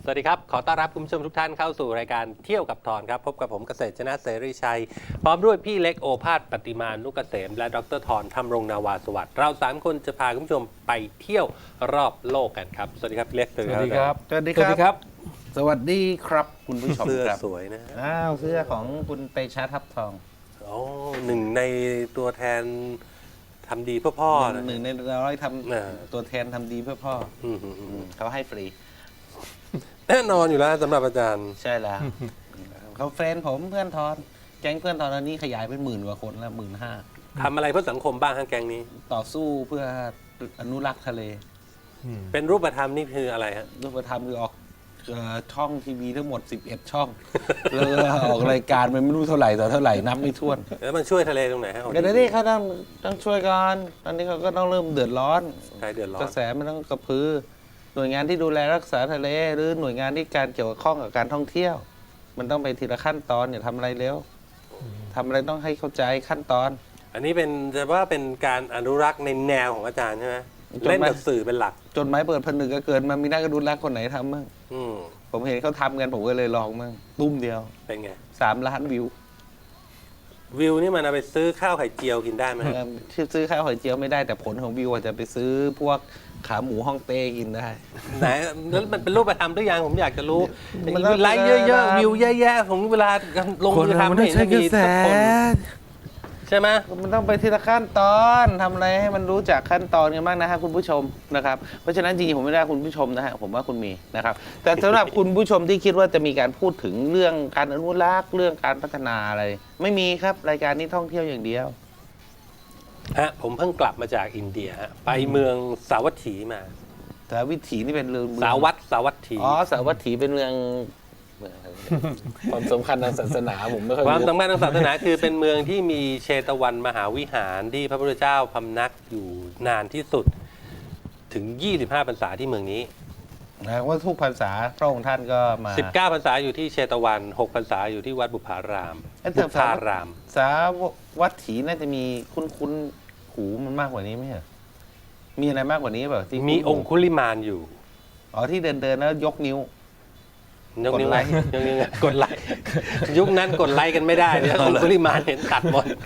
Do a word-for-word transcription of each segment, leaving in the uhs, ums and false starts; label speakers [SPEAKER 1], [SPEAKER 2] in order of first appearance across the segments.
[SPEAKER 1] สวัสดีครับขอต้อนรับคุณผู้ชมทุกท่านเข้าสู่รายการเที่ยวกับทอนครับพบกับผมเกษตรชนะเสรีชัยพร้อมด้วยพี่เล็กโอภาสปฏิมานุกเกษมและดรทอนธรรมรงนาวาสวัสดิ์เราสามคนจะพาคุณผู้ชมไปเที่ยวรอบโลกกันครับสวัสดีครับพี่เล็ก
[SPEAKER 2] สวัสดีครับ
[SPEAKER 3] สวัสดีครับ
[SPEAKER 2] สวัสดีครับคุณผู้ชม
[SPEAKER 1] เสื้อ
[SPEAKER 2] ครับ
[SPEAKER 1] สวยนะ
[SPEAKER 3] อ้าวเสื้อของคุณเตชะทับทอง
[SPEAKER 1] โอ้หนึ่งในตัวแทนทำดีเพื่อพ่อนะ
[SPEAKER 3] หนึ่งในร้อยท
[SPEAKER 1] เออ
[SPEAKER 3] ำตัวแทนทำดีเพื่อพ่อ
[SPEAKER 1] อืมอืมอื
[SPEAKER 3] อื
[SPEAKER 1] ม
[SPEAKER 3] มเขาให้ฟรี
[SPEAKER 1] แน่นอนอยู่แล้วสำหรับอาจารย์
[SPEAKER 3] ใช่แล้วเขาเฟรนด์ผมเพื่อนทอน แก๊งเพื่อนทอนตอนนี้ขยายเป็นหมื่นกว่าคนแล้วหมื่นห้า
[SPEAKER 1] ทำอะไรเพื่อสังคมบ้างฮะแกงนี้
[SPEAKER 3] ต่อสู้เพื่ออนุรักษ์ทะเล
[SPEAKER 1] เป็นรูปธรรมนี่คืออะไรฮะ
[SPEAKER 3] รูปธรรมคือออกเอ่อช่องทีวีทั้งหมดสิบเอ็ดช่อง แล้วก็ออกรายการมันไม่รู้เท่าไหร่ต่อเท่าไหร่นับไม่ถ้วน
[SPEAKER 1] แล้วมันช่วยทะเลตรงไหนฮะ
[SPEAKER 3] เดี๋ยวนี้เขาต้องต้องช่วยกันตอนนี้เขาก็ต้องเริ่มเดือดร้อน
[SPEAKER 1] ใครเดือดร้อก
[SPEAKER 3] ระ
[SPEAKER 1] น
[SPEAKER 3] แสมันต้องกระพือ หน่วยงานที่ดูแลรักษาทะเล หรือหน่วยงานที่การเกี่ยวข้องกับการท่องเที่ยว มันต้องไปทีละขั้นตอนอย่าทำอะไรเร็วทำอะไรต้องให้เข้าใจขั้นตอน
[SPEAKER 1] อันนี้เป็นจะว่าเป็นการอนุรักษ์ในแนวของอาจารย์ใช่ไหม
[SPEAKER 3] จดหมาย
[SPEAKER 1] เล่นกับสื่อเป็นหลัก
[SPEAKER 3] จดหมายเปิดผนึกก็เกิดมามีนักอนุรักษ์คนไหนทำมั่ง
[SPEAKER 1] อืม
[SPEAKER 3] ผมเห็นเขาทำกันผมก็เลยลองมั่งตุ้มเดียว
[SPEAKER 1] เป็นไง
[SPEAKER 3] สามล้านวิว
[SPEAKER 1] วิวนี่มันเอาไปซื้อข้าวไข่เจียวกินได้ไหมฮะ
[SPEAKER 3] เออที่ซื้อข้าวหอยเจียวไม่ได้แต่ผลของวิวอาจจะไปซื้อพวกขาหมูฮ่องเต้กินได้
[SPEAKER 1] ไหนแล้วมันเป็นรูปธรรมหรือยังผมอยากจะรู้
[SPEAKER 3] มันต้อง
[SPEAKER 1] ไลค์เยอะๆวิวแย่ๆผมเวลาลงมือทำไม่เห็นจะมีสักคนใช่ไหม
[SPEAKER 3] มันต้องไปทีละขั้นตอนทำอะไรให้มันรู้จักขั้นตอนกันบ้างนะฮะคุณผู้ชมนะครับเพราะฉะนั้นจริงๆผมไม่ได้คุณผู้ชมนะฮะผมว่าคุณมีนะครับแต่สำหรับคุณผู้ชมที่คิดว่าจะมีการพูดถึงเรื่องการอนุรักษ์เรื่องการพัฒนาอะไร ไม่มีครับรายการนี้ท่องเที่ยวอย่างเดียว
[SPEAKER 1] ฮะผมเพิ่งกลับมาจากอินเดียฮะไปเมืองสาวัตถีมา
[SPEAKER 3] แต่วิถีนี่เป็นเรื่อง
[SPEAKER 1] สาวัตสาวัตถี
[SPEAKER 3] อ๋อสาวัตถีเป็นเมืองเมืองอะไรความสำคัญทางศาสนาผมไม่ค่อย
[SPEAKER 1] ความ
[SPEAKER 3] รู้
[SPEAKER 1] สำคัญทางศาสนาคือเป็นเมืองที่มีเชตวันมหาวิหารที่พระพุทธเจ้าพำนักอยู่นานที่สุดถึง ยี่สิบห้า พรรษาที่เมืองนี้
[SPEAKER 3] นะว่าทุกภาษาพระองค์ท่านก็มา
[SPEAKER 1] สิบเก้า พรรษาอยู่ที่เชตวัน หก พรรษาอยู่ที่วัดบุพาราม
[SPEAKER 3] เอ้ยแต่
[SPEAKER 1] บุพาราม
[SPEAKER 3] สาวัตถีน่าจะมีคุ้นๆหูมันมากกว่านี้ไหมเหรอมีอะไรมากกว่านี้เปล่าที่
[SPEAKER 1] มีองคุลิมานอยู่
[SPEAKER 3] อ๋อที่เดินเดินๆแล้วยกนิ้ว
[SPEAKER 1] ยกนิ้ว
[SPEAKER 3] กดไลค์
[SPEAKER 1] ยกนิ้วกดไลค์ยุคนั้นกดไลค์กันไม่ได้เนี่ยองคุลิมานเห็นตัดหมด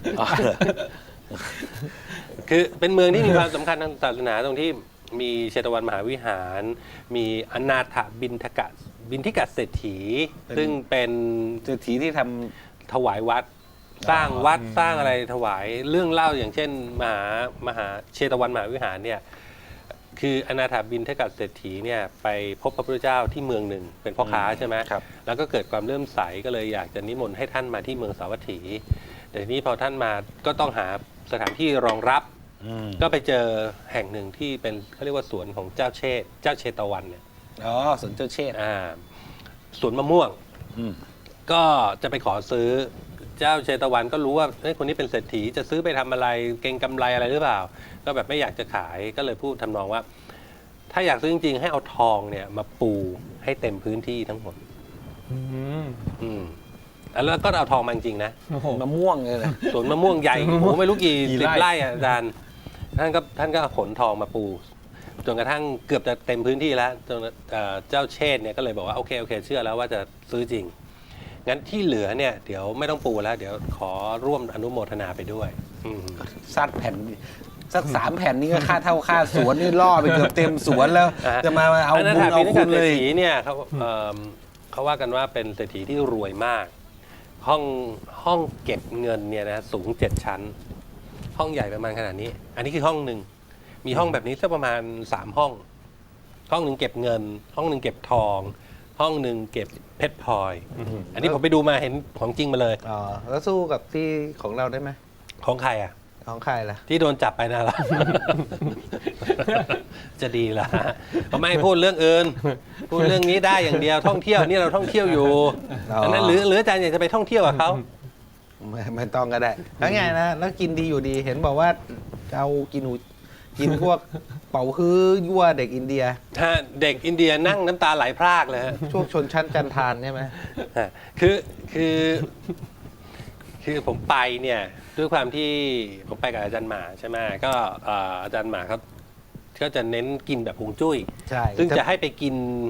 [SPEAKER 1] คือเป็นเมืองที่มีความสำคัญทางศาสนาตรงที่มีเชตวันมหาวิหาร มีอนาถบินทกะบินทิกะเศรษฐี
[SPEAKER 3] เป็น
[SPEAKER 1] ซึ่งเป็น
[SPEAKER 3] เศรษฐีที่ท
[SPEAKER 1] ถวายวัด สร้างวัดสร้างอะไรถวายเรื่องเล่าอย่างเช่นมหามหาเชตวันมหาวิหารเนี่ยคืออนาถบินทกะเศรษฐีเนี่ยไปพบพระพุทธเจ้าที่เมืองหนึ่งเป็นพ่อค้าใช่ไหม
[SPEAKER 3] ำครับ
[SPEAKER 1] แล้วก็เกิดความเลื่อมใสก็เลยอยากจะนิมนต์ให้ท่านมาที่เมืองสาวัตถีแต่ทีนี้พอท่านมาก็ต้องหาสถานที่รองรับ ก็ไปเจอแห่งหนึ่งที่เป็นเขาเรียกว่าสวนของเจ้าเชษเจ้าเชตวันเนี่ย
[SPEAKER 3] อ๋อสวนเจ้าเชษฐ์
[SPEAKER 1] อ่าสวนมะม่วง
[SPEAKER 3] อืม
[SPEAKER 1] ก็จะไปขอซื้อเจ้าเชตวันก็รู้ว่าเฮ้ยคนนี้เป็นเศรษฐีจะซื้อไปทำอะไรเก่งกำไรอะไรหรือเปล่า ก็แบบไม่อยากจะขายก็เลยพูดทำนองว่า ถ้าอยากซื้อจริงๆให้เอาทองเนี่ยมาปูให้เต็มพื้นที่ทั้งหมด
[SPEAKER 2] อืม
[SPEAKER 1] อืมแล้วก็เอาทองมาจริงๆนะ
[SPEAKER 2] โอ้โห
[SPEAKER 3] มะม่วงเลยนะ
[SPEAKER 1] สวนมะม่วงใหญ่
[SPEAKER 2] สวนมะม่
[SPEAKER 1] โอ้
[SPEAKER 2] วง
[SPEAKER 1] โหไม่รู้กี่
[SPEAKER 2] กี่
[SPEAKER 1] สิบ
[SPEAKER 2] ไร่
[SPEAKER 1] ไร่อะอาจารย์ท่านก็ท่านก็ขนทองมาปูจนกระทั่งเกือบจะเต็มพื้นที่แล้วจนเอ่อเจ้าเชษฐ์เนี่ยก็เลยบอกว่าโอเคโอเคเชื่อแล้วว่าจะซื้อจริงงั้นที่เหลือเนี่ยเดี๋ยวไม่ต้องปูแล้ว เดี๋ยวขอร่วมอนุโมทนาไปด้วยอืม
[SPEAKER 3] ซัดแผ่นสักสามแผ่นนี้ก็ค่าเท่าค่าสวนนี่ล่อไปเกือบเต็มสวนแล้ว
[SPEAKER 1] อ่าฮะ
[SPEAKER 3] จะมาเอา
[SPEAKER 1] นนั้น
[SPEAKER 3] บุญ
[SPEAKER 1] ถาม
[SPEAKER 3] เอา
[SPEAKER 1] พี่
[SPEAKER 3] คุ
[SPEAKER 1] นิ
[SPEAKER 3] ณ
[SPEAKER 1] กา
[SPEAKER 3] เล
[SPEAKER 1] เศรษ
[SPEAKER 3] ย
[SPEAKER 1] ฐีเนี่ยเขาเอิ่มเขาว่ากันว่าเป็นเศรษฐีที่รวยมาก ห้องห้องเก็บเงินเนี่ยนะสูงเจ็ดชั้น ห้องใหญ่ประมาณขนาดนี้ อันนี้คือห้องหนึ่งมีห้องแบบนี้สักประมาณสามห้อง ห้องหนึ่งเก็บเงิน ห้องหนึ่งเก็บทอง ห้องหนึ่งเก็บเพชรพลอย อันนี้ผมไปดูมาเห็นของจริงมาเลย
[SPEAKER 3] อ๋อแล้วสู้กับที่ของเราได้ไหม
[SPEAKER 1] ของใครอ่ะ
[SPEAKER 3] ของใครล่ะ
[SPEAKER 1] ที่โดนจับไปน่ะ ล่ะ จะดีล่ะเขาไม่ให้พูดเรื่องอื่น พูดเรื่องนี้ได้อย่างเดียวท่องเที่ยวนี่เราท่องเที่ยวอยู่
[SPEAKER 3] อ๋ออั
[SPEAKER 1] อันนั้นหรือหรืออาจารย์อยากจะไปท่องเที่ยวกับเขา
[SPEAKER 3] ไม่ไม่ต้องก็ได้แล้วไงนะแล้วกินดีอยู่ดีเห็นบอกว่าเอากินหูกินพวกเป่าฮื้อยั่วเด็กอินเดีย
[SPEAKER 1] ถ้าเด็กอินเดียนั่งน้ำตาไหลพรากเลยฮะ
[SPEAKER 3] ช่วงชนชั้นจันทานใช่ไหม
[SPEAKER 1] ฮะคือคือคือผมไปเนี่ยด้วยความที่ผมไปกับอาจารย์หมาใช่ไหมก็เอ่ออาจารย์หมาเขาก็จะเน้นกินแบบฮวงจุ้ย
[SPEAKER 3] ใช่
[SPEAKER 1] ซึ่งจะให้ไปกิน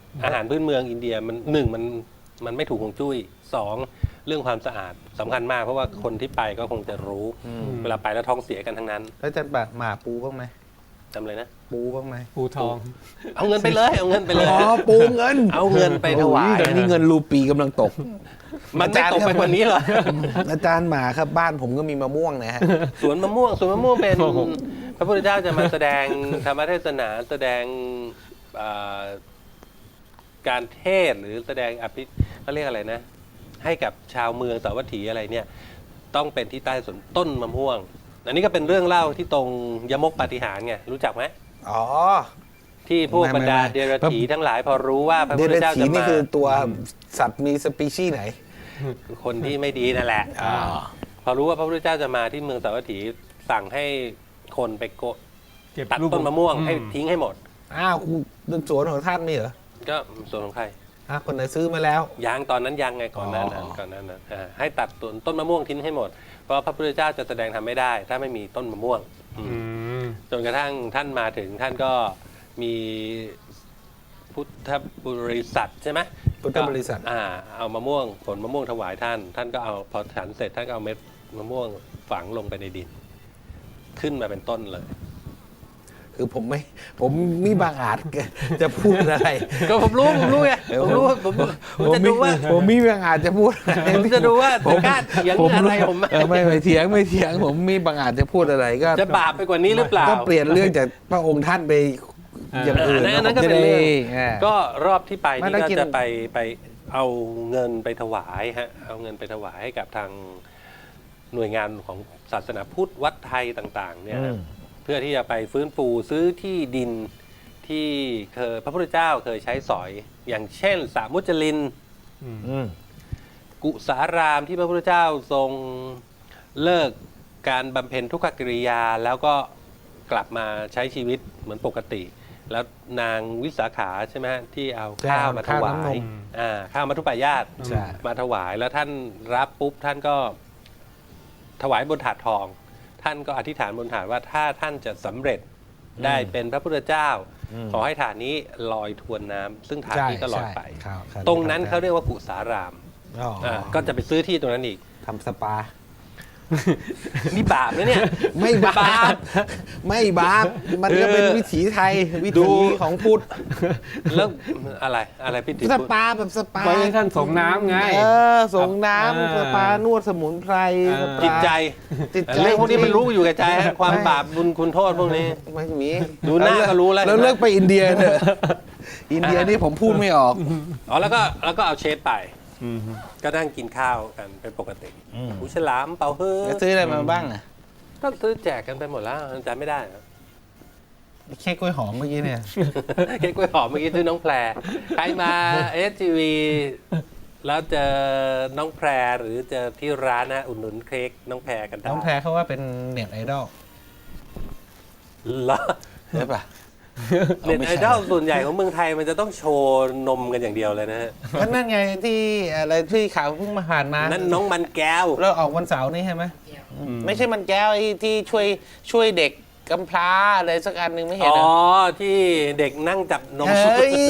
[SPEAKER 1] อาหารพื้นเมืองอินเดียมันหนึ่งมันมันไม่ถูกฮวงจุ้ยสองเรื่องความสะอาดสำคัญมากเพราะว่าคนที่ไปก็คงจะรู้ เวลาไปแล้วท้องเสียกันทั้งนั้น
[SPEAKER 3] แล้วจะแบบหมาปูบ้างไหม
[SPEAKER 1] จำเลยนะ
[SPEAKER 3] ปูบ้างไหม
[SPEAKER 2] ปูทอง
[SPEAKER 1] เอาเงินไปเลยเอาเงินไปเลย
[SPEAKER 3] อ๋อปูเงิน
[SPEAKER 1] เอาเงินไปถวาย
[SPEAKER 3] โอ้ยตอนนี้เงินรูปีกำลังตก
[SPEAKER 1] มันไม่ตกไปกว่านี้หรอ
[SPEAKER 3] อาจารย์หมาครับบ้านผมก็มีมะม่วงนะฮะ
[SPEAKER 1] สวนมะม่วงสวนมะม่วงเป็น
[SPEAKER 2] โอ้โห
[SPEAKER 1] พระพุทธเจ้าจะมาแสดงธรรมเทศนาแสดงอ่าการเทศน์หรือแสดงอภิเขาเรียกอะไรนะ ให้กับชาวเมืองสาวัตถีอะไรเนี่ย ต้องเป็นที่ใต้สวนต้นมะม่วง อันนี้ก็เป็นเรื่องเล่าที่ตรงยมกปาฏิหาริย์ไงรู้จักไหม
[SPEAKER 3] อ๋อ
[SPEAKER 1] ที่พวก
[SPEAKER 3] ไม่
[SPEAKER 1] บรรดา
[SPEAKER 3] ไม่ไม่
[SPEAKER 1] เดรัจฉีทั้งหลายพอรู้ว่าพระ
[SPEAKER 3] เด
[SPEAKER 1] พุทธ
[SPEAKER 3] รัจ
[SPEAKER 1] เจ้า
[SPEAKER 3] ฉี
[SPEAKER 1] จะ
[SPEAKER 3] นี่
[SPEAKER 1] มา
[SPEAKER 3] คือตัวสัตว์มีสปีชีส์ไหน
[SPEAKER 1] คนที่ไม่ดีนั่นแหละ
[SPEAKER 3] อ๋อ
[SPEAKER 1] พอรู้ว่าพระพุทธเจ้าจะมาที่เมืองสาวัตถีสั่งให้คนไปโกะ
[SPEAKER 2] เก็บ
[SPEAKER 1] ตัด
[SPEAKER 2] ลูก
[SPEAKER 1] ต้นมะม่วง
[SPEAKER 2] อื
[SPEAKER 1] ให้ทิ้งให้หมด
[SPEAKER 3] อ้าวคุณสวนของท่านมีเหรอ
[SPEAKER 1] ก็ส่วนของใคร
[SPEAKER 3] อ่ะคนไหนซื้อมาแล้ว
[SPEAKER 1] ยางตอนนั้นยังไงก่อนหน้านั้น
[SPEAKER 3] อ๋อ
[SPEAKER 1] ก่อนหน้านั้นอ่าให้ตัดต้นต้นมะม่วงทิ้งให้หมดเพราะพระพุทธเจ้าจะแสดงทำไม่ได้ ถ้าไม่มีต้นมะม่วงอืม
[SPEAKER 2] อืม
[SPEAKER 1] จนกระทั่งท่านมาถึงท่านก็มีพุทธบริษัทใช่ไหม
[SPEAKER 3] พุทธบริษัท
[SPEAKER 1] อ่าเอามะม่วงผลมะม่วงถวายท่าน ท่านก็เอาพอฉันเสร็จท่านก็เอาเม็ดมะม่วงฝังลงไปในดิน ขึ้นมาเป็นต้นเลย
[SPEAKER 3] คือผมไม่ ผมมีบางอาจ จะพูดอะไร
[SPEAKER 1] ก็ผมรู้ผมรู้ไงผมรู้ผมผมจะดูว่า
[SPEAKER 3] ผมมีบางอาจจะพูดอะไร
[SPEAKER 1] ผมจะดูว่าจะกล้าเถียงอะไรผมไหม
[SPEAKER 3] เออไม่ไม่เถียงไม่เถียง ผมมีบางอาจจะพูดอะไรก็
[SPEAKER 1] จะบาปไปกว่านี้หรือเปล่า
[SPEAKER 3] ก็เปลี่ยนเรื่องจากพระองค์ท่านไปอย่างอื่น
[SPEAKER 1] อันนั้น
[SPEAKER 3] ผม
[SPEAKER 1] ก็
[SPEAKER 3] จะ
[SPEAKER 1] เป็น
[SPEAKER 3] ได้
[SPEAKER 1] เรื่อง
[SPEAKER 3] อ่า
[SPEAKER 1] ก็รอบที่ไป
[SPEAKER 3] ไม่
[SPEAKER 1] นี่
[SPEAKER 3] ได้
[SPEAKER 1] ก็
[SPEAKER 3] กิน
[SPEAKER 1] จะไปไปเอาเงินไปถวายฮะเอาเงินไปถวายให้กับทางหน่วยงานของศาสนาพุทธวัดไทยต่างๆเนี่ยนะเพื่อที่จะไปฟื้นฟูซื้อที่ดินที่เคยพระพุทธเจ้าเคยใช้สอย อย่างเช่นสามุจลิน
[SPEAKER 3] อืม
[SPEAKER 1] กุสารามที่พระพุทธเจ้าทรงเลิกการบำเพ็ญทุกขกิริยา แล้วก็กลับมาใช้ชีวิตเหมือนปกติ แล้วนางวิสาขาใช่ไหมฮะที่เอาข้าวมาถวายอ่าข้าวมัทุปายาต
[SPEAKER 3] ใช่
[SPEAKER 1] มาถวายแล้วท่านรับปุ๊บท่านก็ถวายบนถาดทอง ท่านก็อธิษฐานบนถาดว่าถ้าท่านจะสำเร็จได้เป็นพระพุทธเจ้า ขอให้ถาดนี้ลอยทวนน้ำซึ่งถาดนี้ก็ลอยไป
[SPEAKER 3] ใช่ครับ
[SPEAKER 1] ตรงนั้นเขาเรียกว่ากุสาราม
[SPEAKER 3] อ๋ออ่
[SPEAKER 1] าก็จะไปซื้อที่ตรงนั้นอีก
[SPEAKER 3] ทำสปา
[SPEAKER 1] นี่บาปนะเนี่ย
[SPEAKER 3] ไม่บา
[SPEAKER 1] บา
[SPEAKER 3] ป
[SPEAKER 1] ป
[SPEAKER 3] ไม่บาป มันก็เป็นวิถีไทย วิ
[SPEAKER 1] ดู
[SPEAKER 3] ถีของพุทธ
[SPEAKER 1] แล้วอะไรอะไรพี่ติ๋
[SPEAKER 3] ส
[SPEAKER 1] พูด
[SPEAKER 3] ปาแบบสปา
[SPEAKER 2] ไว้ให้ท่านส่งน้ำไง
[SPEAKER 3] เออส่งน้
[SPEAKER 2] เออ
[SPEAKER 3] ำสปานวดสมุนไพร
[SPEAKER 2] เออ
[SPEAKER 3] สปา
[SPEAKER 1] จิตใจ
[SPEAKER 3] จิตใจ
[SPEAKER 1] เรื่องพวกนี้มันรู้อยู่กับใจฮะความ
[SPEAKER 3] ไม่
[SPEAKER 1] บาปบุญคุณโทษพวกนี้
[SPEAKER 3] ไม่มี
[SPEAKER 1] ดูหน้าก็รู้แล้ว
[SPEAKER 3] แล้วเลิกไปอินเดียเถอะอินเดียนี่ผมพูดไม่ออก
[SPEAKER 1] อ๋อแล้วก็แล้วก็เอาเชฟไป
[SPEAKER 2] อืม
[SPEAKER 1] ก็นั่งกินข้าวกันเป็นปกติหูฉลามเป่าเฮ้อ
[SPEAKER 3] แล้วซื้ออะไรมาบ้างอ่ะ
[SPEAKER 1] ก็ซื้อแจกกันไปหมดแล้วจำไม่ได้นะ
[SPEAKER 3] เค้กกล้วยหอมเมื่อกี้เนี่ย
[SPEAKER 1] เค้กกล้วยหอมเมื่อกี้ซื้อน้องแพรใครมาเอสทีวีแล้วเจอน้องแพรหรือเจอที่ร้านนะอุดหนุนเค้กน้องแพรกันได้
[SPEAKER 3] น้องแพรเขาว่าเป็นเน็ตไอดอล
[SPEAKER 1] เหรอ
[SPEAKER 3] ใช่ปะ
[SPEAKER 1] เน็ตไอดอลส่วนใหญ่ของเมืองไทยมันจะต้องโชว์นมกันอย่างเดียวเลยนะฮะ
[SPEAKER 3] ก็นั่นไงที่อะไรที่ข่าวเพิ่งมาผ่านมา
[SPEAKER 1] นั่นน้องมันแก้ว
[SPEAKER 3] เราออกวันเสาร์นี่ใช่ไหมไม่ใช่มันแก้วไอ้ที่ช่วยช่วยเด็กกำพร้าอะไรสักอันหนึ่งไม่เห็น
[SPEAKER 1] อ๋
[SPEAKER 3] เหร
[SPEAKER 1] อ
[SPEAKER 3] อ
[SPEAKER 1] ที่เด็กนั่งจับนม
[SPEAKER 3] เฮ้ย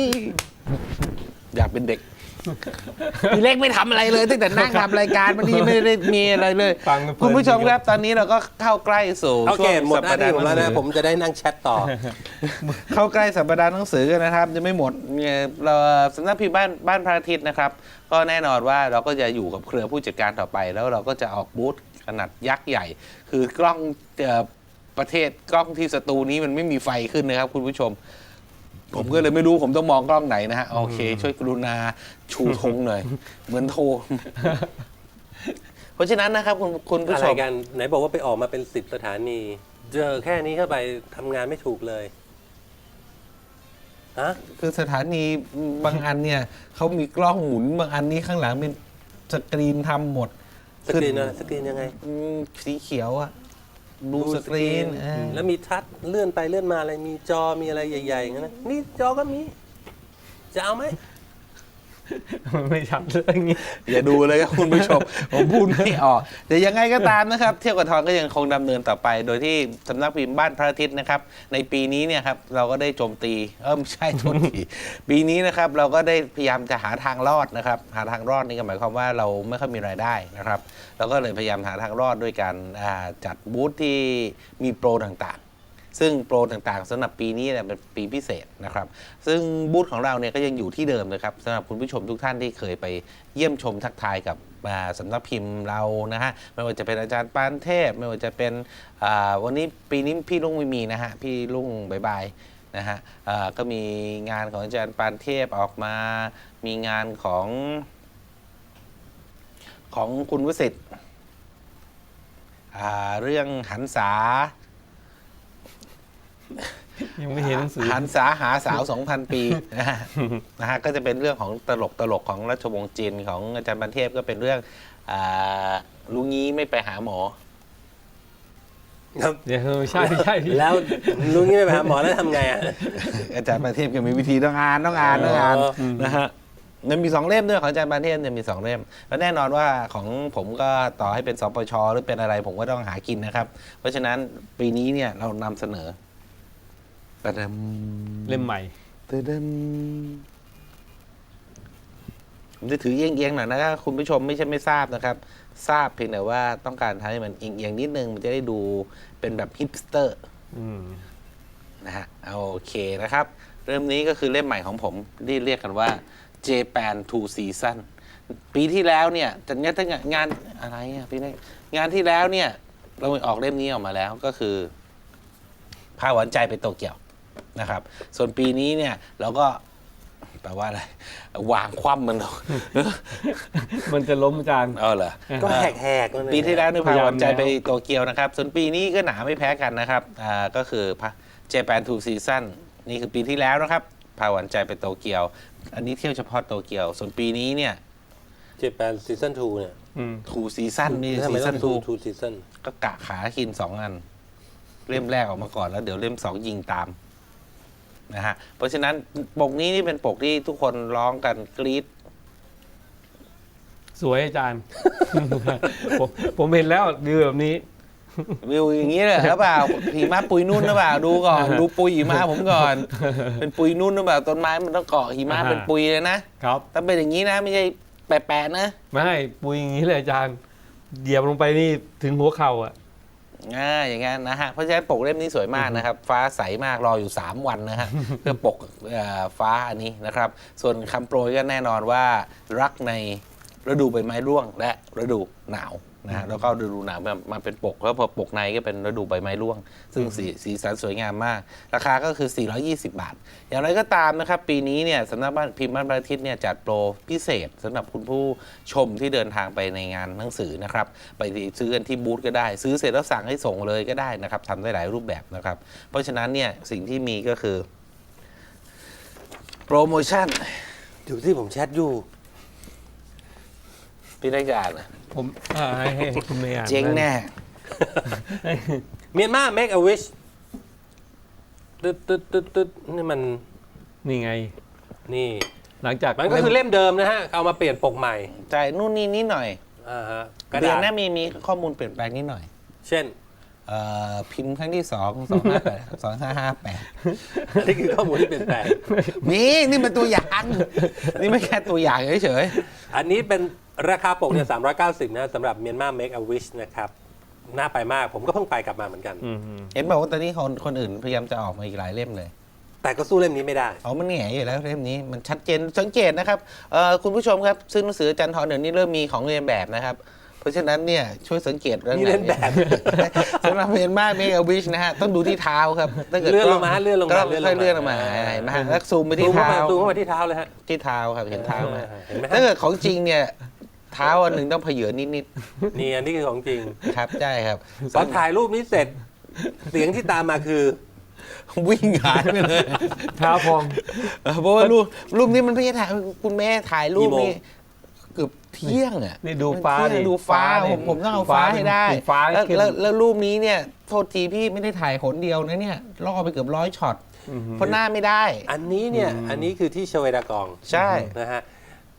[SPEAKER 3] อยากเป็นเด็กพี่เล็กไม่ทำอะไรเลยตั้งแต่นั่งทำรายการมันนี่ไม่ได้มีอะไรเลย
[SPEAKER 2] ฟังเพลิน
[SPEAKER 3] คุณผู้ชมครับตอนนี้เราก็เข้าใกล้สู่
[SPEAKER 1] โอ
[SPEAKER 3] ช่
[SPEAKER 1] เคว
[SPEAKER 3] ง
[SPEAKER 1] หมด
[SPEAKER 3] สั
[SPEAKER 1] หน้าที่ผมแล้ว
[SPEAKER 3] ห
[SPEAKER 1] นะ
[SPEAKER 3] นังสือ
[SPEAKER 1] ผมจะได้นั่งแชทต่อ
[SPEAKER 3] เข้าใกล้สัปดาห์หนังสือกันนะครับ จะไม่หมดเนี่ยเราสำนักพิมพ์บ้านบ้านพระอาทิตย์นะครับ ก็แน่นอนว่าเราก็จะอยู่กับเครือผู้จัดการต่อไป แล้วเราก็จะออกบูธขนาดยักษ์ใหญ่ คือกล้องเอ่อประเทศกล้องที่สตูนี้มันไม่มีไฟขึ้นนะครับคุณผู้ชม ผมก็เลยไม่รู้ผมต้องมองกล้องไหนนะฮะโอเค ช่วยกรุณาชูธงหน่อย เหมือนโทร เพราะฉะนั้นนะครับคุณคุณผู้
[SPEAKER 1] อะ
[SPEAKER 3] ช
[SPEAKER 1] ไร
[SPEAKER 3] ม
[SPEAKER 1] กันไหนบอกว่าไปออกมาเป็นสิบสถานี เจอแค่นี้เข้าไปทำงานไม่ถูกเลยฮะ
[SPEAKER 3] คือสถานีบางอันเนี่ยเขามีกล้องหมุนบางอันนี้ข้างหลังเป็นสกรีนทำหมด
[SPEAKER 1] สกรีนนะสกรีนยังไง
[SPEAKER 3] อืมสีเขียวอะดูสกรีนเออ
[SPEAKER 1] แล้วมีทัชเลื่อนไปเลื่อนมาอะไรมีจอมีอะไรใหญ่ๆอย่างนั้นนะนี่จอก็มี จะเอาไหม
[SPEAKER 2] มันไม่ชัดเรื่องนี้
[SPEAKER 3] อย่าดูเลยครับคุณผู้ชม ผมพูดไม่ออกแต่ยังไงก็ตามนะครับ เที่ยวกับทองก็ยังคงดำเนินต่อไป โดยที่สำนักพิมพ์บ้านพระอาทิตย์นะครับในปีนี้เนี่ยครับเราก็ได้โจมตีเออไม่ใช่โจมตี ปีนี้นะครับเราก็ได้พยายามจะหาทางรอดนะครับหาทางรอดนี่ก็หมายความว่าเราไม่ค่อยมีรายได้นะครับเราก็เลยพยายามหาทางรอดด้วยการอ่าจัดบูธที่มีโปรต่างๆ ซึ่งโปรต่างๆสำหรับปีนี้เนี่ยเป็นปีพิเศษนะครับซึ่งบูธของเราเนี่ยก็ยังอยู่ที่เดิมนะครับสำหรับคุณผู้ชมทุกท่านที่เคยไปเยี่ยมชมทักทายกับอ่าสำนักพิมพ์เรานะฮะไม่ว่าจะเป็นอาจารย์ปานเทพไม่ว่าจะเป็นอ่าวันนี้ปีนี้พี่ลุงไม่มีนะฮะพี่ลุงบายบายนะฮะอ่าก็มีงานของอาจารย์ปานเทพออกมามีงานของของคุณวสิทธิ์อ่าเรื่องหันษา
[SPEAKER 2] ยังไม่เห็นหนังสือ
[SPEAKER 3] หันษาหาสาว สองพัน ปีนะฮะนะฮะก็จะเป็นเรื่องของตลกตลกของราชวงศ์จีนของอาจารย์บันเทพก็เป็นเรื่องอ่าลุงงี้ไม่ไปหาหมอ
[SPEAKER 1] ครับ
[SPEAKER 2] เดี๋ยวใช่ใช่พี่
[SPEAKER 1] แล้วลุงนี่ไม่ไปหาหมอแล้วทำไงอ่ะ
[SPEAKER 3] อาจารย์บันเทพก็มีวิธีต้องอ่านต้องอ่านต้องอ่าน
[SPEAKER 1] อ๋อ
[SPEAKER 3] นะฮะมันมีสองเล่มด้วยของอาจารย์บันเทพเนี่ยมีสองเล่มแล้วแน่นอนว่าของผมก็ต่อให้เป็นสปชหรือเป็นอะไรผมก็ต้องหากินนะครับ เพราะฉะนั้นปีนี้เนี่ยเรานำเสนอประดำ
[SPEAKER 2] เล่มใหม่
[SPEAKER 3] เติมผมจะถือเอียงๆหน่อยนะครับคุณผู้ชมไม่ใช่ไม่ทราบนะครับ ทราบเพียงแต่ว่าต้องการทำให้มันเอียงๆนิดนึง มันจะได้ดูเป็นแบบฮิปสเตอร์
[SPEAKER 2] อืม
[SPEAKER 3] นะฮะโอเคนะครับ เริ่มนี้ก็คือเล่มใหม่ของผมที่เรียกกันว่า Japan Two Season ปีที่แล้วเนี่ยจัดงานตั้งงานอะไรอ่ะพี่นี่งานที่แล้วเนี่ยเราออกเล่มนี้ออกมาแล้วก็คือพาหวานใจไปโตเกียวนะครับ ส่วนปีนี้เนี่ยเราก็แปลว่าอะไรวางคว่ำมันลง
[SPEAKER 2] มันจะล้มอาจารย์
[SPEAKER 3] เออเหรอ
[SPEAKER 1] ก็แหกๆนั่นเอง
[SPEAKER 3] ปีที่แล้วนี่พาหวานใจ
[SPEAKER 2] พยายามแล้ว
[SPEAKER 3] ไปโตเกียวนะครับ ส่วนปีนี้ก็หนาไม่แพ้กันนะครับอ่าก็คือเจแปนทูซีซั่นนี่คือปีที่แล้วนะครับพาหวานใจไปโตเกียว อันนี้เที่ยวเฉพาะโตเกียว ส่วนปีนี้เนี่ย
[SPEAKER 1] เจแปนซีซั่นทูเนี่ย
[SPEAKER 2] อืม
[SPEAKER 3] ทูซีซั่นนี่
[SPEAKER 1] ทำไม
[SPEAKER 3] ซี
[SPEAKER 1] ต้
[SPEAKER 3] ซั่
[SPEAKER 1] อน ง
[SPEAKER 3] ทู
[SPEAKER 1] ทูทูซีซั่น
[SPEAKER 3] ก็กะขากินสองอัน เล่มแรกออกมาก่อนแล้วเดี๋ยวเล่มสองยิงตามนะฮะเพราะฉะนั้นปกนี้นี่เป็นปกที่ทุกคนร้องกันกรี๊ด
[SPEAKER 2] สวยอาจารย์ ผมผมเห็นแล้วดีแบบนี้
[SPEAKER 3] วิวอย่างนี้เลยหรือเปล่าหิมะปุยนุ่นหรือเปล่าดูก่อน ดูปุยหิมะผมก่อน เป็นปุยนุ่นหรือเปล่าต้นไม้มันต้องเกาะหิมะ
[SPEAKER 2] อ่า
[SPEAKER 3] เป็นปุยเลยนะครับ ถ้าเป็นอย่างนี้นะไม่ใช่แปะๆนะ
[SPEAKER 2] ไม่ปุยอย่างนี้เลยอาจารย์เหยียบลงไปนี่ถึงหัวเข่าอ่ะ
[SPEAKER 3] อ่าอย่างงั้นนะฮะเพราะฉะนั้นปกเล่มนี้สวยมากนะครับ ฟ้าใสมากรออยู่สามวันนะฮะ เพื่อปกเอ่อฟ้าอันนี้นะครับ ส่วนคำโปรยก็แน่นอนว่ารักในฤดูใบไม้ร่วงและฤดูหนาวนะฮะแล้วก็ฤดูหนาวมามาเป็นปกแล้วพอปกในก็เป็นฤดูใบไม้ร่วง ซึ่งสีสีสันสวยงามมาก ราคาก็คือ สี่ร้อยยี่สิบบาท อย่างไรก็ตามนะครับ ปีนี้เนี่ยสำนักบ้านพิมพ์บ้านพระอาทิตย์เนี่ยจัดโปรพิเศษสำหรับคุณผู้ชมที่เดินทางไปในงานหนังสือนะครับ ไปซื้อกันที่บูธก็ได้ ซื้อเสร็จแล้วสั่งให้ส่งเลยก็ได้นะครับทำได้หลายรูปแบบนะครับ เพราะฉะนั้นเนี่ยสิ่งที่มีก็คือโปรโมชั่น
[SPEAKER 1] อยู่ที่ผมแชทอยู่
[SPEAKER 3] พี่ได้จะอ่านนะ
[SPEAKER 2] ผมอ่าให้ให้ให้คุณเมย์อ่าน
[SPEAKER 3] เจ๊งแน่
[SPEAKER 1] เมียนมา make a wish ตึ๊ดตึ๊ดตึ๊ดตึ๊ดนี่มัน
[SPEAKER 2] นี่ไง
[SPEAKER 1] นี่
[SPEAKER 2] หลังจาก
[SPEAKER 1] มันก็คือเล่มเดิมนะฮะ เอามาเปลี่ยนปกใหม่
[SPEAKER 3] จ่ายนู่นนี่นิดหน่อย
[SPEAKER 1] อ่าฮะกระ
[SPEAKER 3] เดือ
[SPEAKER 1] ดาน ษ
[SPEAKER 3] หน้ามีมีข้อมูลเปลี่ยนแปลงนิดหน่อย
[SPEAKER 1] เช่น
[SPEAKER 3] เอ่อพิมพ์ครั้งที่สองสองห้าแปดสองห้าห้าแปด
[SPEAKER 1] นี่คือข้อมูลที่เปลี่ยนแปลง
[SPEAKER 3] นี่นี่เป็นตัวอย่าง นี่ไม่แค่ตัวอย่างเฉย
[SPEAKER 1] อันนี้เป็นราคาปกเนี่ยสามร้อยเก้าสิบนะสำหรับเมียนมา make a wish นะครับ น่าไปมาก ผมก็เพิ่งไปกลับมาเหมือนกัน
[SPEAKER 2] อืมอืม
[SPEAKER 3] ๆเห็นบอกว่าตอนนี้คนคนอื่นพยายามจะออกมาอีกหลายเล่มเลย
[SPEAKER 1] แต่ก็สู้เล่มนี้ไม่ได้
[SPEAKER 3] เอามันแหง่อยู่แล้วเล่มนี้มันชัดเจนสังเกตนะครับเอ่อคุณผู้ชมครับซึ่งหนังสืออาจารย์ทรเดี๋ยวนี้เริ่มมีของเรียนแบบนะครับ เพราะฉะนั้นเนี่ยช่วยสังเกตเรื่อง
[SPEAKER 1] มีเล่นแบบ
[SPEAKER 3] สำหรับเมียนมาเมกาวิชนะฮะต้องดูที่เท้าครับถ้าเกิด
[SPEAKER 1] เลื่อนลงมาเลื่อนลงมา
[SPEAKER 3] ก็
[SPEAKER 1] เลื่อนลงมา
[SPEAKER 3] ค่อยๆเลื่อนลงมาเห็นไหมฮะแล้วซูมไป
[SPEAKER 1] ซู
[SPEAKER 3] ที่
[SPEAKER 1] มเข้า
[SPEAKER 3] เท้า
[SPEAKER 1] มาซูมเข้ามาที่เท้าเลยฮะ
[SPEAKER 3] ที่เท้าครับเห็นเท้าไหม
[SPEAKER 1] เห็นไหมฮะ
[SPEAKER 3] ถ้าเกิดของจริงเนี่ยเท้าอันหนึ่งต้องเผยนิด
[SPEAKER 1] นี่อันนี้คือของจริง
[SPEAKER 3] ๆครับใช่ครับ
[SPEAKER 1] พอถ่ายรูปนี้เสร็จ เสียงที่ตามมาคือ
[SPEAKER 3] วิ่งหายไปเลย
[SPEAKER 2] เท้าพอง
[SPEAKER 3] เออเพราะว่ารูปรูปนี้มันไม่ใช่ถ่ายคุณแม่ถ่ายรูป
[SPEAKER 1] กี่โมง
[SPEAKER 3] นี่เกือบเที่ยงอ่ะ
[SPEAKER 2] นี่ดูฟ้า
[SPEAKER 3] เที่ยง
[SPEAKER 2] ดิ
[SPEAKER 3] ดูฟ้า
[SPEAKER 2] ฟ้าดิ
[SPEAKER 3] ผมผมต้องเอาฟ้าให้ได้
[SPEAKER 2] เป็นฟ้า
[SPEAKER 3] แล้ว
[SPEAKER 2] เข้ม
[SPEAKER 3] แล้วแล้วรูปนี้เนี่ยโทษทีพี่ไม่ได้ถ่ายหนเดียวนะเนี่ยล่อไปเกือบร้อยช็อต
[SPEAKER 2] อืม
[SPEAKER 3] เพราะหน้าไม่ได้
[SPEAKER 1] อันนี้เนี่ย อันนี้คือที่ชเวดากอง
[SPEAKER 3] ใช่
[SPEAKER 1] นะฮะ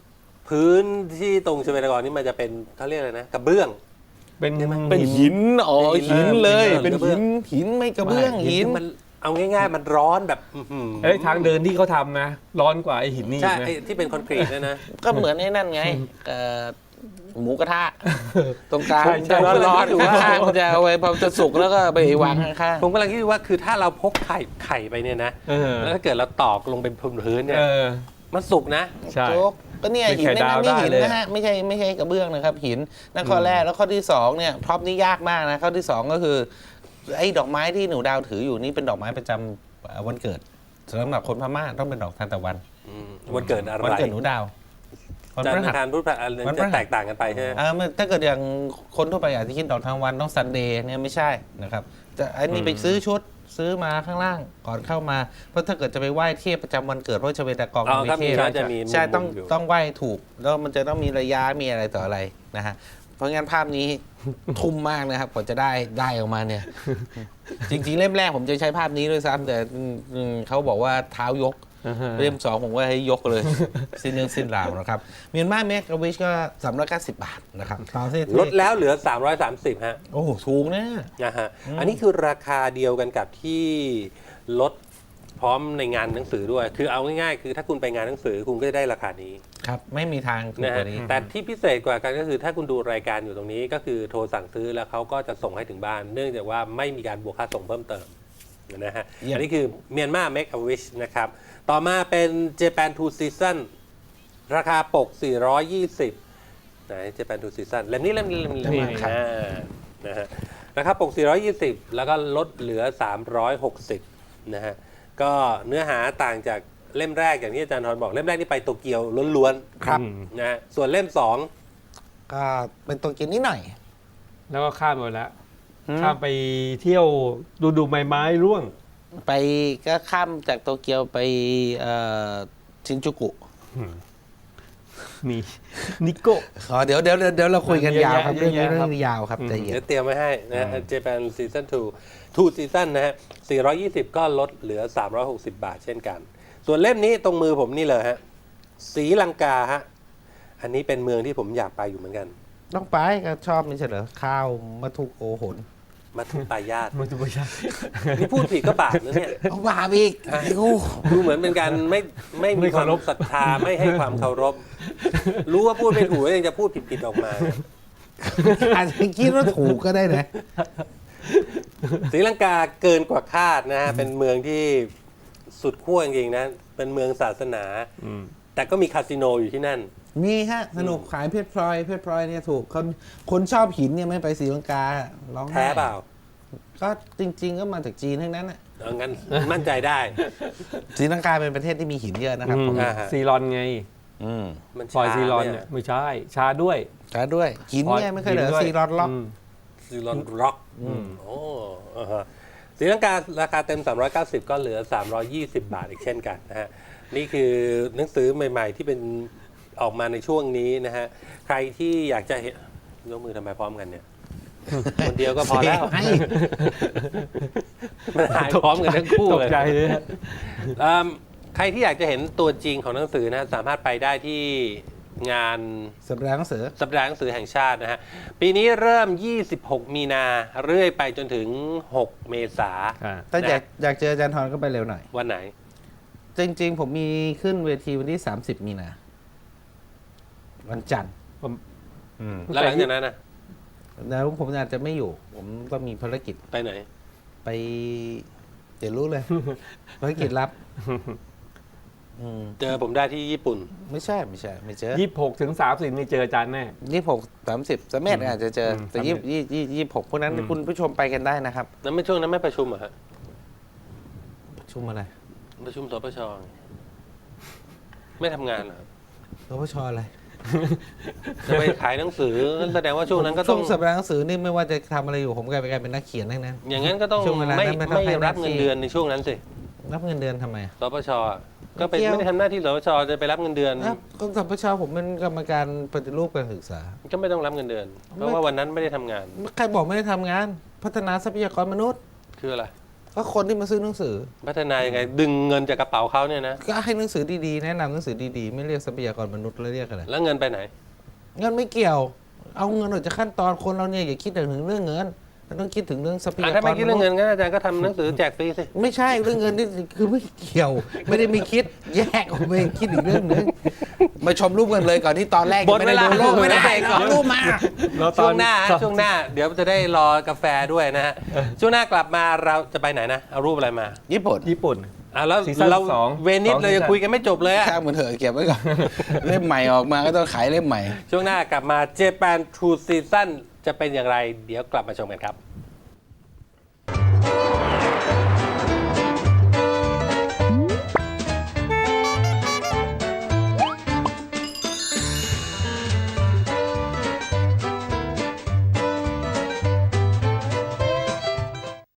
[SPEAKER 1] พื้นที่ตรงชเวดากรนี่มันจะเป็นเขาเรียกอะไรนะกระเบื้อง
[SPEAKER 2] เป็น
[SPEAKER 3] เป็นหินอ๋อ
[SPEAKER 1] เป็นหิ
[SPEAKER 3] หิ
[SPEAKER 1] น
[SPEAKER 3] นเลย
[SPEAKER 1] เออ
[SPEAKER 3] เป็น
[SPEAKER 1] กระเบื้
[SPEAKER 3] หิ
[SPEAKER 1] อง
[SPEAKER 3] นหินไม่กระเบื้องหิน
[SPEAKER 1] ที่มันเอาง่ายๆ มันร้อนแบบอื้อหือ
[SPEAKER 2] เอ้ยทางเดินที่เขาทำนะ ร้อนกว่าไอหินนี่
[SPEAKER 1] ใช่
[SPEAKER 2] อีกนะ
[SPEAKER 1] ไอ้ที่เป็นคอนกรีตเนยนะ
[SPEAKER 3] ก็เหมือนไอ้นั่นไงเอ่อหมูกระทะตรงกลาง
[SPEAKER 2] ใช่ใช่
[SPEAKER 3] จะร้อนๆข้างๆมันจะเอาไว้พอจะสุกแล้วก็ไปวางข้าง
[SPEAKER 1] ผมกำลังคิดว่าคือถ้าเราพกไข่ไข่ไปเนี่ยนะ
[SPEAKER 2] เออ
[SPEAKER 1] แล้วถ้าเกิดเราตอกลงเป็นพื้นๆเนี่ย
[SPEAKER 2] เออ
[SPEAKER 1] มันสุกนะ
[SPEAKER 3] ๆ
[SPEAKER 2] ใช่
[SPEAKER 3] โจ๊กก็เนี่ย
[SPEAKER 2] เป็น
[SPEAKER 3] หิน
[SPEAKER 2] ไข่
[SPEAKER 3] ในนั้น
[SPEAKER 2] ดาว
[SPEAKER 3] นี่หิน
[SPEAKER 2] ได้เลย
[SPEAKER 3] นะฮะไม่ใช่ไม่ใช่กระเบื้องนะครับ หินนั่นข้อแรกแล้วข้อที่สองเนี่ยพร็อพนี่ยากมากนะข้อที่สองก็คือไอ้ดอกไม้ที่หนูดาวถืออยู่นี่เป็นดอกไม้ประจำเอ่อวันเกิดสำหรับคนพม่าต้องเป็นดอกทานตะวัน
[SPEAKER 1] อืมวันเกิดอะไร
[SPEAKER 3] วันเกิดหนูดาววัน
[SPEAKER 1] จัน
[SPEAKER 3] พ
[SPEAKER 1] ท
[SPEAKER 3] ฤ
[SPEAKER 1] ร์
[SPEAKER 3] หัส
[SPEAKER 1] ทานพุธพฤหัสอะไร
[SPEAKER 3] วันพฤหั
[SPEAKER 1] จะ
[SPEAKER 3] ส
[SPEAKER 1] แตกต่างกันไปใช่ไหม
[SPEAKER 3] อ่ามันถ้าเกิดอย่างคนทั่วไปอาจจะคิดดอกทางวันต้องซันเดย์เนี่ยไม่ใช่นะครับแต่อันนี้ไปซื้อชุดซื้อมาข้างล่างก่อนเข้ามาเพราะถ้าเกิดจะไปไหว้เทพประจำวันเกิดเพราะชเวดากอง
[SPEAKER 1] อ๋อ
[SPEAKER 3] มี
[SPEAKER 1] ครับ
[SPEAKER 3] เท
[SPEAKER 1] มี
[SPEAKER 3] พ
[SPEAKER 1] ก็จะมีมุม
[SPEAKER 3] ใช่ต้อง
[SPEAKER 1] อยู่
[SPEAKER 3] ต้องไหว้ถูกแล้วมันจะต้องมีระยะมีอะไรต่ออะไรนะฮะเพราะงั้นภาพนี้ ทุ่มมากนะครับกว่าจะได้ได้ออกมาเนี่ย จริงๆเล่มแรกผมจะใช้ภาพนี้ด้วยซ้ำแต่อืมเขาบอกว่าเท้ายก เล่มสองผมว่าให้ยกเลย สิ้นเรื่องสิ้นราวนะครับเมียนมาเมกะวิชก็สามร้อยเก้าสิบบาทนะครับตามที่
[SPEAKER 1] ลดแล้วเหลือ สามร้อยสามสิบ ฮะ
[SPEAKER 3] โอ้โหถูกนะ
[SPEAKER 1] นะฮะ อันนี้คือราคาเดียวกันกับที่ลดพร้อมในงานหนังสือด้วย คือเอาง่ายๆ คือถ้าคุณไปงานหนังสือคุณก็จะได้ราคานี้
[SPEAKER 3] ครับ ไม่มีทางถูก
[SPEAKER 1] นะ
[SPEAKER 3] ก
[SPEAKER 1] ฮะ
[SPEAKER 3] ว่านี้
[SPEAKER 1] แต่ที่พิเศษกว่ากันก็คือถ้าคุณดูรายการอยู่ตรงนี้ก็คือโทรสั่งซื้อแล้วเขาก็จะส่งให้ถึงบ้าน เนื่องจากว่าไม่มีการบวกค่าส่งเพิ่มเติมนะฮะ
[SPEAKER 3] เยี่ยม
[SPEAKER 1] อันนี้คือเมียนมา Make a Wish นะครับ ต่อมาเป็น Japan Two Season ราคาปก สี่ร้อยยี่สิบไหน Japan Two Season เล่มนี้เล่มนี้เล่มนี้เล่ม
[SPEAKER 2] นี่
[SPEAKER 1] นี้อ่านะฮะราคาปก สี่ร้อยยี่สิบ แล้วก็ลดเหลือ สามร้อยหกสิบ นะฮะ ก็เนื้อหาต่างจากเล่มแรกอย่างที่อาจารย์ทรบอกเล่มแรกนี่ไปโตเกียวล้วนๆ
[SPEAKER 3] ครับ
[SPEAKER 1] นะฮะส่วนเล่มสอง
[SPEAKER 3] ก็เป็นตัวกินนิดหน่อย
[SPEAKER 2] แล้วก็ข้ามไปแล้ว ข้ามไปเที่ยวดูดูใบไม้ร่วง
[SPEAKER 3] ไปก็ข้ามจากโตเกียวไปเอ่อชินจูกุ
[SPEAKER 2] มีนิโก้
[SPEAKER 3] อ๋อเดี๋ยวเดี๋ยวเดี๋ยวเดี๋ยวเราคุยกัน
[SPEAKER 2] เยอะ
[SPEAKER 3] ยาวครับ
[SPEAKER 2] เย
[SPEAKER 3] เรื่อ
[SPEAKER 2] อะ
[SPEAKER 3] งนี้
[SPEAKER 2] แยะ
[SPEAKER 3] เรื่
[SPEAKER 2] ครั
[SPEAKER 3] อบ งยาวครับใจเย็น
[SPEAKER 1] เดี๋ยวเตรียมไว้ให้นะฮะ Japan Season ทู ทู Season นะฮะ สี่ร้อยยี่สิบ ก็ลดเหลือ สามร้อยหกสิบ บาทเช่นกัน ส่วนเล่มนี้ตรงมือผมนี่เลยฮะศรีลังกาฮะ อันนี้เป็นเมืองที่ผมอยากไปอยู่เหมือนกัน
[SPEAKER 3] ต้องไปก็ชอบไม่ใช่เหรอข้าวมัทุกโอหน
[SPEAKER 1] มาทุปายาต
[SPEAKER 2] มันจะไม่ใช่
[SPEAKER 1] นี่พูดผิดก็บาปนะเนี่ย
[SPEAKER 3] เอาบาปอีกโอ้
[SPEAKER 1] ดูเหมือนเป็นการไม่ไม่มีความศรัทธาไม่ให้ความเคารพ รู้ว่าพูดไม่ถูกแล้วยังจะพูดผิดๆออกมาเนี่ย
[SPEAKER 3] อาจจะคิดว่าถูกก็ได้นะ
[SPEAKER 1] ศรีลังกาเกินกว่าคาดนะฮะ เป็นเมืองที่สุดขั้วจริงๆนะ เป็นเมืองศาสนา
[SPEAKER 2] อืม
[SPEAKER 1] แต่ก็มีคาสิโนอยู่ที่นั่น
[SPEAKER 3] มีฮะสนุกขายเพชรพลอยเพชรพลอยเนี่ยถูกคนคนชอบหินเนี่ยไม่ไปศรีลังการ้องไห้
[SPEAKER 1] แท้เปล่า
[SPEAKER 3] ก็จริง ๆ ก็มาจากจีนทั้งนั้นน่ะ
[SPEAKER 1] เอางั้นมั่นใจได้
[SPEAKER 3] ศรีลังกาเป็นประเทศที่มีหินเยอะนะครับ
[SPEAKER 2] อืม
[SPEAKER 3] ผม
[SPEAKER 1] อ่าฮะ
[SPEAKER 2] ซีรอนไง
[SPEAKER 3] อืม
[SPEAKER 1] มัน
[SPEAKER 2] ปล่อย
[SPEAKER 1] ช้า
[SPEAKER 2] ซีรอน
[SPEAKER 1] เนี่
[SPEAKER 2] เนี่ย ยไม่ใช่ ชาด้วย
[SPEAKER 3] ใช้ด้วยหินเนี่ยไม่เคยเหลือ
[SPEAKER 2] หินด้วย
[SPEAKER 3] ซีรอนล็อก
[SPEAKER 2] ม
[SPEAKER 1] ซีรอนร็อกโอ้อ่าฮะศรีลังการาคาเต็ม สามร้อยเก้าสิบ ก็เหลือ สามร้อยยี่สิบ บาทอีกเช่นกันนะฮะ นี่คือหนังสือใหม่ ๆ ที่เป็นออกมาในช่วงนี้นะฮะ ใครที่อยากจะเห็นยกมือทำไมพร้อมกันเนี่ย คนเดียวก็พอแล้ว
[SPEAKER 3] ให้
[SPEAKER 1] มันหายพร้อมกันทั้งคู่
[SPEAKER 2] ต
[SPEAKER 1] เล
[SPEAKER 2] ก
[SPEAKER 1] ย
[SPEAKER 2] ใจเลยฮะ
[SPEAKER 1] อืมใครที่อยากจะเห็นตัวจริงของหนังสือนะสามารถไปได้ที่งาน
[SPEAKER 3] สัปดาห์หนังสือ
[SPEAKER 1] สัปดาห์หนังสือแห่งชาตินะฮะ ปีนี้เริ่ม ยี่สิบหก มีนา เรื่อยไปจนถึง หก เมษา
[SPEAKER 2] อ่า
[SPEAKER 3] ถ้าอยากอยากเจออาจารย์ทรก็ไปเร็วหน่อย
[SPEAKER 1] วันไหน
[SPEAKER 3] จริง ๆ ผมมีขึ้นเวทีวันที่ สามสิบ มีนา วันจันทร์
[SPEAKER 2] ผม
[SPEAKER 1] แล้วหลังจากนั้นนะ
[SPEAKER 3] แล้วผมอาจจะไม่อยู่ ผมก็มีภารกิจ
[SPEAKER 1] ไปไหน
[SPEAKER 3] ไปเดี๋ยวรู้เลย ภารกิจลับอืม
[SPEAKER 1] เจอผมได้ที่ญี่ปุ่น
[SPEAKER 3] ไม่ใช่ไม่ใช่ ไม่เจอ
[SPEAKER 2] ยี่สิบหกถึงสามสิบนี่เจออาจารย์แน่
[SPEAKER 3] ยี่หกสามสิบสามเมตรอาจจะเจอ
[SPEAKER 2] อืม
[SPEAKER 3] แต่
[SPEAKER 2] สาม
[SPEAKER 3] ยี่
[SPEAKER 2] เมตร
[SPEAKER 3] ยี่ยี่ยี่หกพวกนั้น
[SPEAKER 2] อืม
[SPEAKER 3] คุณผู้ชมไปกันได้นะครับ
[SPEAKER 1] แล้วไม่ช่วงนั้นไม่ประชุมเหรอฮะ
[SPEAKER 3] ประชุมอะไร
[SPEAKER 1] ประชุมสปชไงไม่ทำงานเหรอ
[SPEAKER 3] รปชอะไร
[SPEAKER 1] จะไปขายหนังสือนั่นแสดงว่าช่วงนั้นก็
[SPEAKER 3] ช่
[SPEAKER 1] ต้
[SPEAKER 3] ว
[SPEAKER 1] อง
[SPEAKER 3] งสัปดาห์หนังสือนี่ไม่ว่าจะทำอะไรอยู่ผมกลายเป็นกลายเป็นนักเขียนทั้งนั้น
[SPEAKER 1] อย่างนั้นก็ต้อง
[SPEAKER 3] ช่วงเวลา
[SPEAKER 1] ไม่
[SPEAKER 3] นั้นไม่ต้อง
[SPEAKER 1] ไม่
[SPEAKER 3] ให้
[SPEAKER 1] รับ
[SPEAKER 3] หน้าที่
[SPEAKER 1] เงินเดือนในช่วงนั้นสิ
[SPEAKER 3] รับเงินเดือนทำไมอะ
[SPEAKER 1] สปชอะก็เป็น
[SPEAKER 3] ไม่เกี่ยว
[SPEAKER 1] ไม่ได้ทำหน้าที่สปชจะไปรับเงินเดือน
[SPEAKER 3] อ้าวก็สัปชผมเป็นกรรมการปฏิรูปการศึกษา
[SPEAKER 1] ก็ไม่ต้องรับเงินเดือน เพราะว่าวันนั้นไม่ได้ทำงาน
[SPEAKER 3] ใครบอกไม่ได้ทำงาน พัฒนาทรัพยากรมนุษย์
[SPEAKER 1] คืออะไร
[SPEAKER 3] ก็คนที่มาซื้อหนังสือ
[SPEAKER 1] พัฒนายังไงดึงเงินจากกระเป๋าเขาเนี่ยนะ
[SPEAKER 3] ก็ให้หนังสือดีๆแนะนำหนังสือดีๆไม่เรียกทรัพยากรมนุษย์แล้วเรียกอะไร
[SPEAKER 1] แล้วเงินไปไหน
[SPEAKER 3] เงินไม่เกี่ยว เอาเงินออกจากขั้นตอนคนเราเนี่ยอย่าคิดถึงเรื่องเงินเราต้องคิดถึงเรื่องทรัพยา
[SPEAKER 1] อ่ะ
[SPEAKER 3] กร
[SPEAKER 1] ถ้าไม่คิดเรื่องเงิน
[SPEAKER 3] มษย์
[SPEAKER 1] งั้นอาจารย์ก็ทำหนังสือแจกฟรีสิ
[SPEAKER 3] ไม่ใช่เรื่องเงินนี่คือไม่เกี่ยว ไม่ได้มีคิดแยกออกไปคิดอีกเรื่องหนึงมาชมรูปกันเลยก่อนที่ตอนแรก
[SPEAKER 1] หมดเวลา
[SPEAKER 3] ไม่ได้ดูรูปไม่ได้ก่อนรูปมา
[SPEAKER 2] แล้วต
[SPEAKER 1] ช่
[SPEAKER 2] อ
[SPEAKER 1] วน งหน้าฮะ
[SPEAKER 2] ตอน
[SPEAKER 1] ช่วงหน้า เดี๋ยวจะได้รอกาแฟด้วยนะฮะช่วงหน้ากลับมาเราจะไปไหนนะเอารูปอะไรมา
[SPEAKER 3] ญี่ปุ่น
[SPEAKER 2] ญี่ปุ่น
[SPEAKER 1] อ่ะแล้ว
[SPEAKER 2] ซีซั่น
[SPEAKER 1] เรา
[SPEAKER 2] สอง
[SPEAKER 1] เวนิส
[SPEAKER 2] สอง
[SPEAKER 1] เรายัง
[SPEAKER 2] ซีซั่น
[SPEAKER 1] คุยกันไม่จบเลยอะ
[SPEAKER 3] ข้างมันเถอะเก็บไว้ก่อน เล่มใหม่ออกมาก็ต้องขายเล่มใหม่
[SPEAKER 1] ช่วงหน้ากลับมา Japan True Season จะเป็นอย่างไร เดี๋ยวกลับมาชมกันครับ